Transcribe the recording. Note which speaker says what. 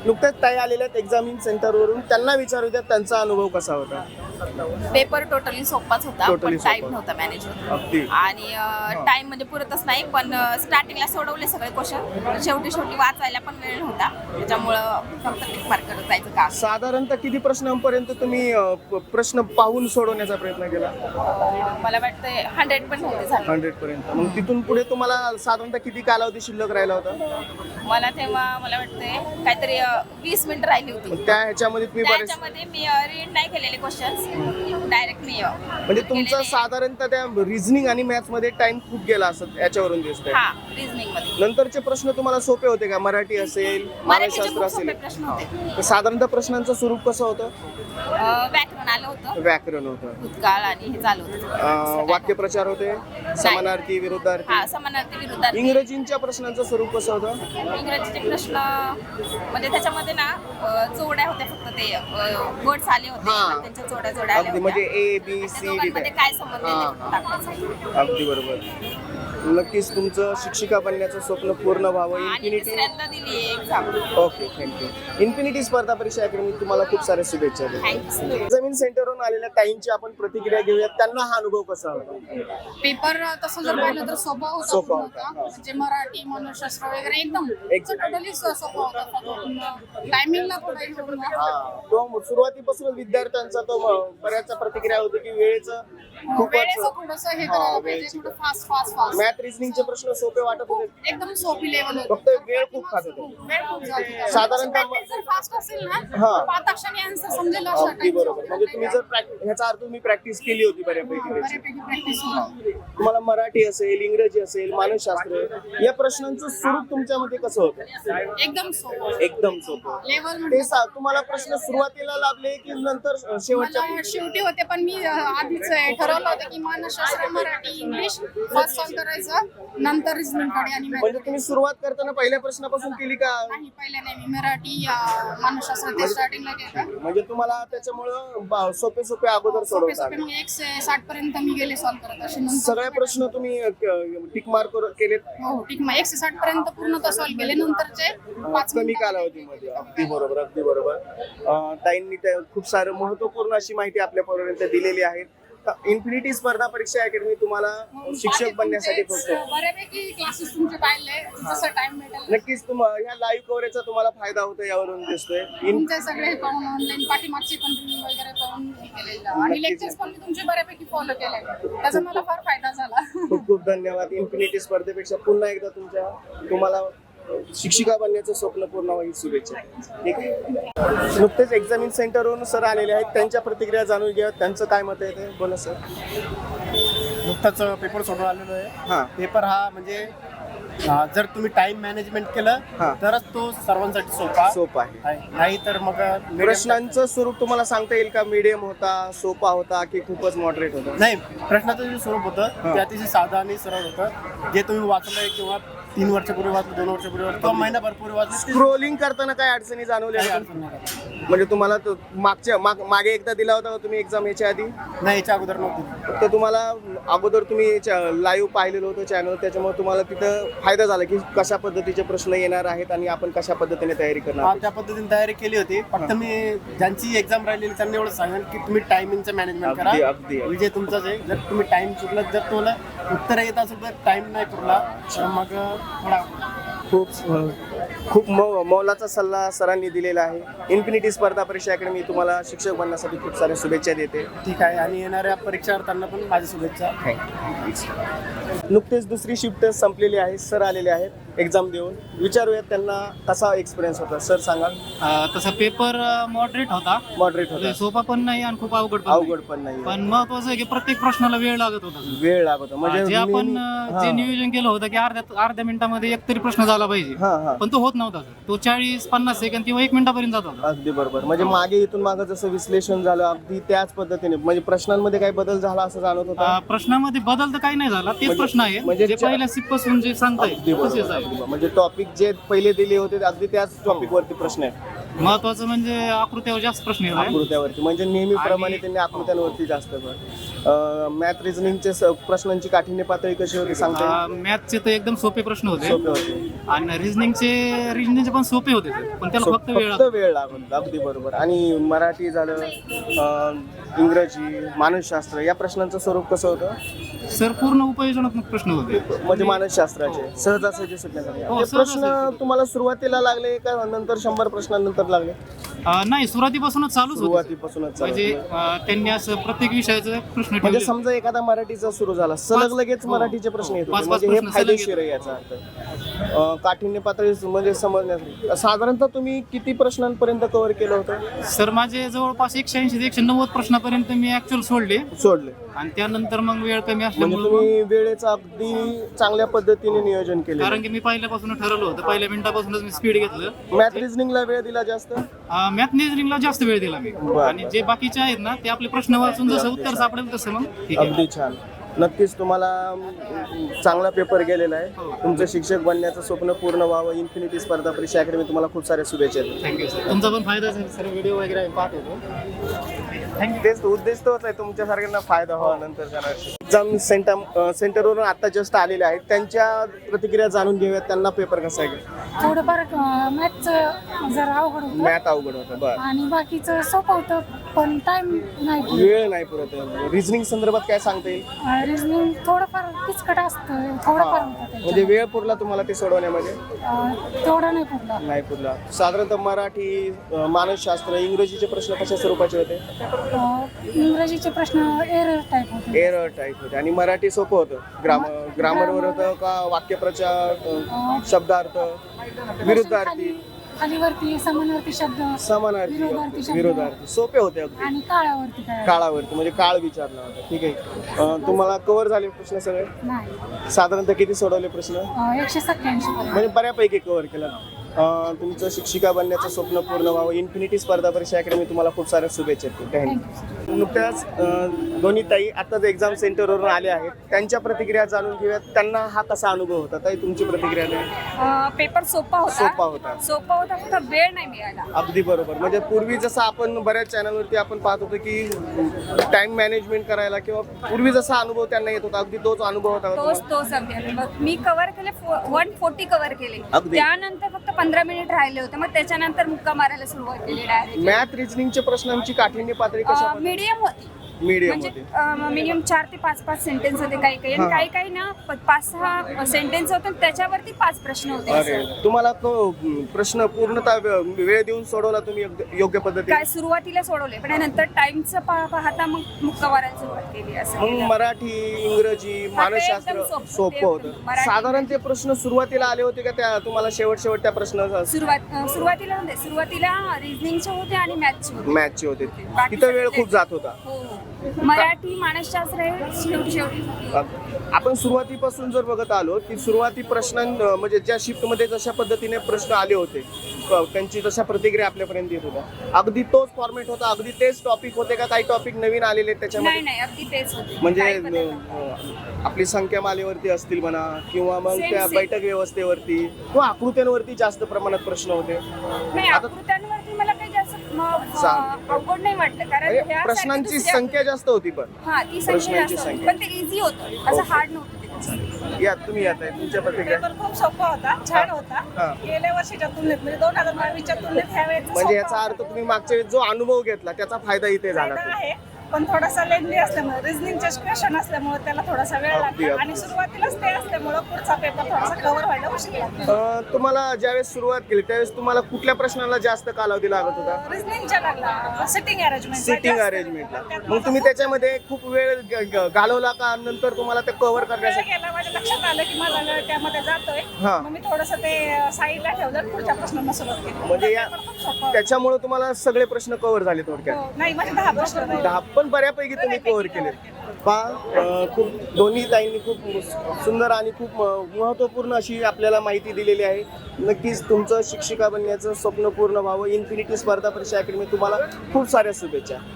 Speaker 1: नुकत्याच ताई आलेल्या आहेत एक्झामिन सेंटरवरून, त्यांना विचारू द्या त्यांचा अनुभव कसा होता.
Speaker 2: पेपर टोटली सोपाच होता,
Speaker 1: Totally
Speaker 2: पण टाइम
Speaker 1: सोपा.
Speaker 2: नव्हता मॅनेज होत
Speaker 1: अगदी
Speaker 2: आणि टाइम म्हणजे पुरतच नाही. पण स्टार्टिंगला सोडवले सगळे क्वेश्चन, शेवटी वाचायला पण वेळ नव्हता, त्याच्यामुळं फक्त टिक मार्क करत जायचं काम.
Speaker 1: साधारणतः किती प्रश्नांपर्यंत तुम्ही प्रश्न पाहून सोडवण्याचा प्रयत्न केला.
Speaker 2: मला वाटतं 100 पण नव्हते झाले.
Speaker 1: 100 पर्यंत. मग तिथून पुढे तुम्हाला साधारणतः किती कालावधी शिल्लक राहिला होता.
Speaker 2: मला तेव्हा मला वाटतंय काहीतरी 20 मिनिटं राहिली होती.
Speaker 1: मग त्या ह्याच्यामध्ये तुम्ही बरेच
Speaker 2: त्याच्यामध्ये मी रीड नाही केलेले क्वेश्चन्स, डायरेक्ट मी
Speaker 1: म्हणजे तुमचा साधारणतः त्या रिझनिंग आणि मॅथ्स मध्ये टाइम खूप गेला असत याच्यावरून दिसतंय.
Speaker 2: हा रिझनिंग मध्ये
Speaker 1: नंतरचे प्रश्न तुम्हाला सोपे होते का. मराठी असेल, मानसशास्त्र असेल,
Speaker 2: प्रश्न होते.
Speaker 1: तर साधारणतः प्रश्नांचं स्वरूप कसं होतं.
Speaker 2: व्याकरण आलं होतं,
Speaker 1: व्याकरण होतं,
Speaker 2: भूतकाळ आणि हे चालू होतं.
Speaker 1: वाक्यप्रचार होते, समानार्थी विरुद्धार्थी.
Speaker 2: हा समानार्थी विरुद्धार्थी.
Speaker 1: इंग्रजींच्या प्रश्नांचं स्वरूप कसं होतं.
Speaker 2: इंग्रजीचे प्रश्न म्हणजे त्याच्यामध्ये ना जोड्या होत्या, फक्त ते वर्ड्स आले होते,
Speaker 1: हा.
Speaker 2: पण त्यांच्या जोड्या आल्या
Speaker 1: अगदी म्हणजे
Speaker 2: होत्या.
Speaker 1: A B C D.
Speaker 2: दोघांमध्ये काय संबंध आहे ते टाकायचं.
Speaker 1: अगदी बरोबर. नक्कीच तुमचं शिक्षिका बनण्याचं स्वप्न पूर्ण व्हावं.
Speaker 2: आणि
Speaker 1: इन्फिनिटी.
Speaker 2: दुसऱ्यांदा दिली एक्झाम.
Speaker 1: Okay, thank you. इन्फिनिटी स्पर्धा परीक्षा अकॅडमी तुम्हाला खूप साऱ्या शुभेच्छा देतो.
Speaker 2: थँक्यू.
Speaker 1: एक्झामिन सेंटरवरून आलेल्या ताईंची आपण प्रतिक्रिया घेऊयात. त्यांना हा अनुभव कसा होता.
Speaker 3: पेपर तसं जर पाहिलं तर सोपा होता.
Speaker 1: सोपा
Speaker 3: पूर्ण
Speaker 1: होता.
Speaker 3: म्हणजे मराठी मानसशास्त्र वगैरे एकदम
Speaker 1: एकदम.
Speaker 3: टोटली सोपा होता. टायमिंगला थोडा इशू होता.
Speaker 1: तो सुरुवातीपासून विद्यार्थ्यांचा तो बऱ्याच प्रतिक्रिया होती की वेळेचं खूपच
Speaker 3: वेळेचं थोडंसं हे करायला पाहिजे, थोडं फास्ट
Speaker 1: मॅथ रिझनिंगचे प्रश्न सोपे वाटत होते.
Speaker 3: एकदम सोपी लेवल
Speaker 1: फक्त वेळ खूप खात होते.
Speaker 3: वेळ खूप जात होता.
Speaker 1: साधारणतः
Speaker 3: Practice जर फास्ट असेल ना
Speaker 1: हा.
Speaker 3: तर 5 अक्षरांनी आन्सर समजेल अशा
Speaker 1: अगदी
Speaker 3: type
Speaker 1: बरोबर.
Speaker 3: चं
Speaker 1: म्हणजे तुम्ही जर ह्याचा अर्थ तुम्ही प्रॅक्टिस केली होती बऱ्यापैकी त्याची.
Speaker 3: बऱ्यापैकी प्रॅक्टिस होती.
Speaker 1: तुम्हाला मराठी असेल, इंग्रजी असेल, मानसशास्त्र या प्रश्नांचं स्वरूप तुमच्यामध्ये कसं होतं.
Speaker 3: एकदम सोपं
Speaker 1: एकदम सोपं.
Speaker 3: लेवल
Speaker 1: ते तुम्हाला प्रश्न सुरुवातीला लाभले की नंतर शेवटच्या.
Speaker 3: मला शेवटी होते, पण मी आधीच ठरवलं होतं की मानसशास्त्र, मराठी, इंग्लिश फर्स्ट सॉल्व करायचं, नंतर रिझनिंग कडे आणि
Speaker 1: म्हणजे तुम्ही सुरुवात करताना पहिल्या प्रश्नापासून केली का.
Speaker 3: नाही, पहिले नाही, मी मराठी मानसशास्त्र ते स्टार्टिंगला केलं.
Speaker 1: म्हणजे तुम्हाला त्याच्यामुळं सोपे सोपे अगोदर
Speaker 3: सोपे
Speaker 1: सोडवता
Speaker 3: सोपे मग 160 पर्यंत मी गेले सॉल्व करत असे. नंतर
Speaker 1: सगळे प्रश्न तुम्ही टिक मार्क केलेत.
Speaker 3: हो ठीक, मग 160 पर्यंत पूर्ण तर सॉल्व केले. नंतरचे 5
Speaker 1: कमी कालावधीमध्ये. अगदी बरोबर, अगदी बरोबर. ताईंनी त्या खूप सारं महत्वपूर्ण अशी माहिती आपल्यापर्यंत दिलेली आहे. इन्फिनिटी स्पर्धा परीक्षा अकॅडमी तुम्हाला शिक्षक बनण्यासाठी फक्त
Speaker 3: बऱ्यापैकी क्लासेस तुमचे पाहिले, जसं टाइम भेटेल
Speaker 1: नक्कीच ह्या लाईव्ह कव्हरेजचा तुम्हाला फायदा होतो यावरून दिसतोय.
Speaker 3: तुमचे सगळे पाहून, ऑनलाईन पाठीमागचे पण रिव्ह्यू वगैरे पाहून हे केलेलं, आणि लेक्चर्स पण मी तुमचे बऱ्यापैकी फॉलो केले, त्याचा मला फार फायदा झाला.
Speaker 1: खूप खूप धन्यवाद. इन्फिनिटी स्पर्धेपेक्षा पुन्हा एकदा तुम्हाला शिक्षिका बनण्याचं स्वप्न पूर्ण होईल. शुभेच्छा. ठीक आहे. नुकतेच एक्झामिन सेंटरवरून सर आलेले आहेत, त्यांच्या प्रतिक्रिया जाणून घ्या. त्यांचं काय मत आहे ते बोला सर.
Speaker 4: नुकताच पेपर सोडून आलेलो आहे.
Speaker 1: हां.
Speaker 4: पेपर हा म्हणजे जर तुम्ही टाइम मॅनेजमेंट केलं
Speaker 1: हां.
Speaker 4: तरच तो सर्वांसाठी सोपा
Speaker 1: आहे.
Speaker 4: नाही तर मग
Speaker 1: प्रश्नांचं स्वरूप तुम्हाला सांगता येईल का. मीडियम होता, सोपा होता की खूपच मॉडरेट होता.
Speaker 4: नाही, प्रश्नाचं जे स्वरूप होतं ते अतिशय साधं आणि सरळ होतं. जे तुम्ही वाचलंय किंवा 3 वर्षापूर्वी वाचलं, 2 वर्षापूर्वी वाचलं किंवा महिनाभर पूर्वी वाचलं,
Speaker 1: स्क्रोलिंग करताना काय अडचणी जाणवल्या
Speaker 4: काही
Speaker 1: का?
Speaker 4: अडचण नाही का?
Speaker 1: म्हणजे तुम्हाला तो मागे एकदा दिला होता का तुम्ही एक्झाम याच्या आधी.
Speaker 4: नाही, याच्या अगोदर नव्हती.
Speaker 1: फक्त तुम्हाला अगोदर तुम्ही लाईव्ह पाहिलेलं होतं चॅनल, त्याच्यामुळे तुम्हाला तिथं फायदा झाला की कशा पद्धतीचे प्रश्न येणार आहेत आणि आपण कशा पद्धतीने तयारी करणार.
Speaker 4: त्या पद्धतीने तयारी केली होती. फक्त मी ज्यांची एक्झाम राहिलेली त्यांनी एवढं सांगेन की तुम्ही टायमिंगचं मॅनेजमेंट करा.
Speaker 1: अगदी.
Speaker 4: विजय तुमचाच आहे. जर तुम्ही टाइम चुकला, जर तुम्हाला उत्तर येत असेल तर टाइम नाही पुरला तर मग थोडा
Speaker 1: खूप मौलाचा सल्ला सरांनी दिलेला आहे. इन्फिनिटी स्पर्धा परीक्षा अकॅडमी तुम्हाला शिक्षक बनण्यासाठी खूप साऱ्या शुभेच्छा देते.
Speaker 4: ठीक आहे. आणि येणाऱ्या परीक्षार्थ्यांना पण माझ्या शुभेच्छा.
Speaker 1: नुकतेच दुसरी शिफ्ट संपलेली आहे. सर आलेले आहेत एक्झाम देऊन. विचारूयात त्यांना कसा एक्सपिरियन्स होता. सर सांगा.
Speaker 5: तसा पेपर मॉडरेट होता,
Speaker 1: मॉडरेट होता,
Speaker 5: सोपा पण नाही आणि खूप अवघड
Speaker 1: पण नाही.
Speaker 5: पण महत्वाचं आहे की प्रत्येक प्रश्नाला वेळ लागत होता.
Speaker 1: वेळ लागत होता. म्हणजे
Speaker 5: जे आपण जे नियोजन केलं होतं की अर्ध्या मिनिटामध्ये एक तरी प्रश्न झाला पाहिजे, पण तो होत नव्हता. तो 40-50 सेकंद किंवा 1 मिनिटापर्यंत जात होता.
Speaker 1: अगदी बरोबर. म्हणजे मागे इथून मागे जसं विश्लेषण झालं अगदी त्याच पद्धतीने. म्हणजे प्रश्नांमध्ये काही बदल झाला असं जाणवत होता.
Speaker 5: प्रश्नामध्ये बदल तर काही नाही झाला, तेच प्रश्न आहे
Speaker 1: म्हणजे
Speaker 5: जे पहिल्या सिप्पासून जे सांगताय
Speaker 1: अगदी
Speaker 5: तसेच
Speaker 1: बरोबर.
Speaker 5: आहे.
Speaker 1: म्हणजे टॉपिक जे पहिले दिले होते अगदी त्याच टॉपिक वरती प्रश्न आहे.
Speaker 5: महत्वाचं म्हणजे आकृत्यावर जास्त प्रश्न येत आहे.
Speaker 1: आकृत्यावरती म्हणजे नेहमीप्रमाणे
Speaker 5: आणि-
Speaker 1: त्यांनी आकृत्यांवरती जास्त मॅथ रिझनिंगचे प्रश्नांची काठिण्य पातळी कशी होती सांगता
Speaker 5: मॅथचे तर एकदम सोपे प्रश्न होते
Speaker 1: सोपे होते
Speaker 5: आणि रिझनिंगचे पण सोपे होते sir. पण त्याला फक्त वेळ लागतो.
Speaker 1: वेळ लागत अगदी बरोबर. आणि मराठी झालं इंग्रजी मानसशास्त्र या प्रश्नांचं स्वरूप कसं होतं
Speaker 5: सर पूर्ण उपयोजनात्मक प्रश्न होते.
Speaker 1: म्हणजे मानसशास्त्राचे सहजासहजी सुटण्यासाठी
Speaker 5: हो,
Speaker 1: हे प्रश्न
Speaker 5: सहजासहजी.
Speaker 1: तुम्हाला सुरुवातीला लागले का नंतर 100 प्रश्नांनंतर लागले
Speaker 5: नाही सुरुवातीपासूनच चालूच होते
Speaker 1: सुरुवातीपासूनच चालू
Speaker 5: म्हणजे
Speaker 1: होते.
Speaker 5: त्यांनी असं प्रत्येक विषयाचं प्रश्न
Speaker 1: म्हणजे
Speaker 5: ठेवले.
Speaker 1: समजा एखादा मराठीचा सुरू झाला सलग लगेच
Speaker 5: हो,
Speaker 1: मराठीचे प्रश्न येत होते
Speaker 5: पाच
Speaker 1: म्हणजे हे
Speaker 5: प्रश्न सलग
Speaker 1: फायदेशीर आहे याचा अर्थ काठिण्य पातळी म्हणजे समजण्यासाठी साधारणतः तुम्ही किती प्रश्नांपर्यंत कव्हर केलं होतं
Speaker 5: सर माझे जवळपास 180 ते 190 प्रश्नापर्यंत मी ऍक्च्युअल सोडले
Speaker 1: सोडले
Speaker 5: आणि त्यानंतर मग वेळ कमी
Speaker 1: म्हणजे
Speaker 5: असल्यामुळे
Speaker 1: तुम्ही वेळेचं अगदी चांगल्या पद्धतीने नियोजन केले
Speaker 5: कारण की मी पहिल्यापासून ठरवलं होतं पहिल्या मिनिटापासूनच मी स्पीड घेतलं.
Speaker 1: मॅथ रिझनिंगला वेळ दिला जास्त
Speaker 5: मॅथ रिझनिंगला जास्त वेळ दिला मी
Speaker 1: बरं.
Speaker 5: आणि जे बाकीचे आहेत ना ते आपले प्रश्न वाचून जसं उत्तर सापडेल तसं मग ठीक आहे.
Speaker 1: अगदी छान नक्कीच तुम्हाला चांगला पेपर गेलेला आहे
Speaker 5: हो.
Speaker 1: तुमचं शिक्षक बनण्याचं स्वप्न पूर्ण व्हावं इन्फिनिटी स्पर्धा परीक्षा अकॅडमी तुम्हाला खूप साऱ्या शुभेच्छा देते.
Speaker 5: थँक्यू सर तुमचा पण फायदा झाला सर व्हिडिओ वगैरे आम्ही पाहत होतो.
Speaker 1: तेच उद्देश तोच आहे तुमच्यासारख्यांना फायदा व्हावा नंतर एक्झाम सेंटरवरून आता जस्ट आलेले आहेत त्यांच्या प्रतिक्रिया जाणून घेऊयात त्यांना पेपर कसा आहे
Speaker 3: थोडंफार मॅथचं जरा अवघड होतं
Speaker 1: मॅथ अवघड होतं बरं
Speaker 3: आणि बाकीचं सोपं होतं पण टाइम नाही
Speaker 1: वेळ नाही पुरत रिझनिंग संदर्भात काय सांगता येईल
Speaker 3: रिझनिंग थोडंफार किचकट असतं थोडंफार होतं
Speaker 1: म्हणजे
Speaker 3: त्याच्यात.
Speaker 1: वेळ पुरला तुम्हाला ते सोडवण्यामध्ये
Speaker 3: तेवढं नाही पुरलं
Speaker 1: नाही पुरला साधारणतः मराठी मानसशास्त्र इंग्रजीचे प्रश्न कशा स्वरूपाचे होते
Speaker 3: इंग्रजीचे प्रश्न एरर टाईप होते
Speaker 1: एरर टाईप होते आणि मराठी सोपं होतं ग्रामरवर होतं का वाक्यप्रचार शब्दार्थ विरुद्धार्थी
Speaker 3: खाली- खालीवरती समानार्थी शब्द
Speaker 1: समानार्थी
Speaker 3: विरोधार्थी शब्द.
Speaker 1: विरोधार्थी सोपे होते अगदी
Speaker 3: आणि काळावरती काय
Speaker 1: काळावरती म्हणजे काळ विचारला होता ठीक आहे तुम्हाला कव्हर झाले प्रश्न सगळे
Speaker 3: नाही
Speaker 1: साधारणतः किती सोडवले प्रश्न
Speaker 3: 187
Speaker 1: म्हणजे बऱ्यापैकी कव्हर केलं तुमचं शिक्षिका बनण्याचं स्वप्न पूर्ण व्हावं इन्फिनिटी स्पर्धा परीक्षा अकॅडमी तुम्हाला खूप साऱ्या शुभेच्छा देते. थँक्यू नुकत्याच दोन्ही ताई आताच एक्झाम सेंटरवरून आले आहेत त्यांच्या प्रतिक्रिया जाणून घेऊयात त्यांना हा कसा अनुभव होता ताई तुमची प्रतिक्रिया द्या.
Speaker 2: पेपर सोपा
Speaker 1: सोपा होता
Speaker 2: फक्त वेळ नाही मिळाला.
Speaker 1: अगदी बरोबर म्हणजे पूर्वी जसं आपण बऱ्याच चॅनलवरती आपण पाहत होतो की टाइम मॅनेजमेंट करायला किंवा पूर्वी जसा अनुभव त्यांना येत होता अगदी तोच अनुभव होता का
Speaker 2: तोच अगदी मग मी कव्हर केले 140 कव्हर केले
Speaker 1: अगदी.
Speaker 2: त्यानंतर फक्त 15 मिनिट राहिले होते मग त्याच्यानंतर मुक्का मारायला सुरुवात केली डायरेक्ट.
Speaker 1: मॅथ रिझनिंगच्या प्रश्नांची काठिण्य पातळी कशा
Speaker 2: मीडियम होती
Speaker 1: मीडियम
Speaker 2: म्हणजे
Speaker 1: होते
Speaker 2: मिनिमम 4 ते 5 सेंटेन्स होते काही काही आणि काही काही ना 5-6 सेंटेन्स होते आणि त्याच्यावरती 5 प्रश्न होते
Speaker 1: अरे
Speaker 2: असं.
Speaker 1: तुम्हाला तो प्रश्न पूर्णतः वेळ देऊन सोडवला तुम्ही योग्य पद्धतीने
Speaker 2: काय सुरुवातीला सोडवले पण नंतर टाइमचं पाहता मग मुक्का मारायला सुरुवात केली असं
Speaker 1: मग
Speaker 2: केलं.
Speaker 1: मराठी इंग्रजी मानसशास्त्र
Speaker 2: एकदम सोपं.
Speaker 1: सोपं
Speaker 2: ते
Speaker 1: होतं
Speaker 2: मराठी-
Speaker 1: साधारण ते प्रश्न सुरुवातीला आले होते का त्या तुम्हाला शेवट त्या प्रश्न
Speaker 2: सुरुवातीला नव्हते सुरुवातीला रिझनिंगचे होते आणि मॅथ्सचे होते.
Speaker 1: मॅथचे होते
Speaker 2: बाकी
Speaker 1: तिथं वेळ
Speaker 2: सगळे-
Speaker 1: खूप जात होता
Speaker 2: हो मराठी मानसशास्त्र हे शेवटी
Speaker 1: आपण सुरुवातीपासून जर बघत आलो की सुरुवाती प्रश्न म्हणजे ज्या शिफ्टमध्ये जशा पद्धतीने प्रश्न आले होते त्यांची जशा प्रतिक्रिया आपल्यापर्यंत येत होत्या अगदी तोच फॉर्मॅट होता अगदी तेच टॉपिक होते का काही टॉपिक नवीन आलेले आहेत त्याच्यामध्ये
Speaker 2: नाही अगदी तेच होते
Speaker 1: म्हणजे
Speaker 2: काही बदल नव्हता.
Speaker 1: आपली संख्या मालेवरती असतील म्हणा किंवा मग
Speaker 2: Same,
Speaker 1: त्या
Speaker 2: same.
Speaker 1: बैठक व्यवस्थेवरती किंवा आकृत्यांवरती जास्त प्रमाणात प्रश्न होते
Speaker 2: नाही
Speaker 1: आता-
Speaker 2: आकृत्यांवरती मला काही जास्त
Speaker 1: चालेल.
Speaker 2: अवघड नाही वाटलं कारण
Speaker 1: म्हणजे
Speaker 2: ह्यासाठी
Speaker 1: प्रश्नांची
Speaker 2: दुसऱ्या-
Speaker 1: संख्या जास्त होती पण
Speaker 2: हा ती संख्या
Speaker 1: प्रश्नांची
Speaker 2: जास्त होती.
Speaker 1: संख्या.
Speaker 2: पण ते इझी होतं असं हार्ड नव्हतं ते.
Speaker 1: या तुम्ही येत आहे तुमच्या प्रतिक्रिया
Speaker 6: पेपर खूप सोपा होता छान
Speaker 1: हा.
Speaker 6: होता गेल्या वर्षीच्या तुलनेत म्हणजे 2022च्या तुलनेत ह्या वेळेस
Speaker 1: म्हणजे याचा अर्थ तुम्ही मागच्या वेळेस जो अनुभव घेतला त्याचा फायदा इथे झाला तो.
Speaker 6: आहे पण थोडासा लेंदी असल्यामुळे रिझनिंगचे क्वेश्चन असल्यामुळे त्याला थोडासा वेळ
Speaker 1: अगदी,
Speaker 6: लागला
Speaker 1: अगदी.
Speaker 6: आणि सुरुवातीलाच ते असल्यामुळे पुढचा पेपर थोडासा कव्हर व्हायला उशीर लागला
Speaker 1: तुम्हाला ज्यावेळेस सुरुवात केली त्यावेळेस तुम्हाला कुठल्या प्रश्नाला जास्त कालावधी लागत होता
Speaker 6: रिझनिंगच्या लागला सिटिंग अरेंजमेंट
Speaker 1: सिटिंग अरेंजमेंटला मग तुम्ही त्याच्यामध्ये खूप वेळ घालवला का नंतर तुम्हाला ते कव्हर
Speaker 6: वेळ
Speaker 1: करण्यासाठी
Speaker 6: गेला माझ्या लक्षात आलं की माझा वेळ त्यामध्ये जातोय
Speaker 1: हा.
Speaker 6: मग मी थोडंसं ते साईडला ठेवलं आणि पुढच्या प्रश्नांना सुरुवात केली
Speaker 1: म्हणजे या
Speaker 6: पेपर खूप सोपा होता.
Speaker 1: त्याच्यामुळे तुम्हाला सगळे प्रश्न कव्हर झाले थोडक्यात
Speaker 6: हो, नाही माझे 10 प्रश्न राहिले.
Speaker 1: 10 पण बऱ्यापैकी तुम्ही कव्हर केले खूप दोन्ही लाईननी खूप सुंदर आणि खूप महत्त्वपूर्ण अशी आपल्याला माहिती दिलेली आहे नक्कीच तुमचं शिक्षिका बनण्याचं स्वप्न पूर्ण व्हावं इन्फिनिटी स्पर्धा परीक्षा अकॅडमी तुम्हाला खूप साऱ्या शुभेच्छा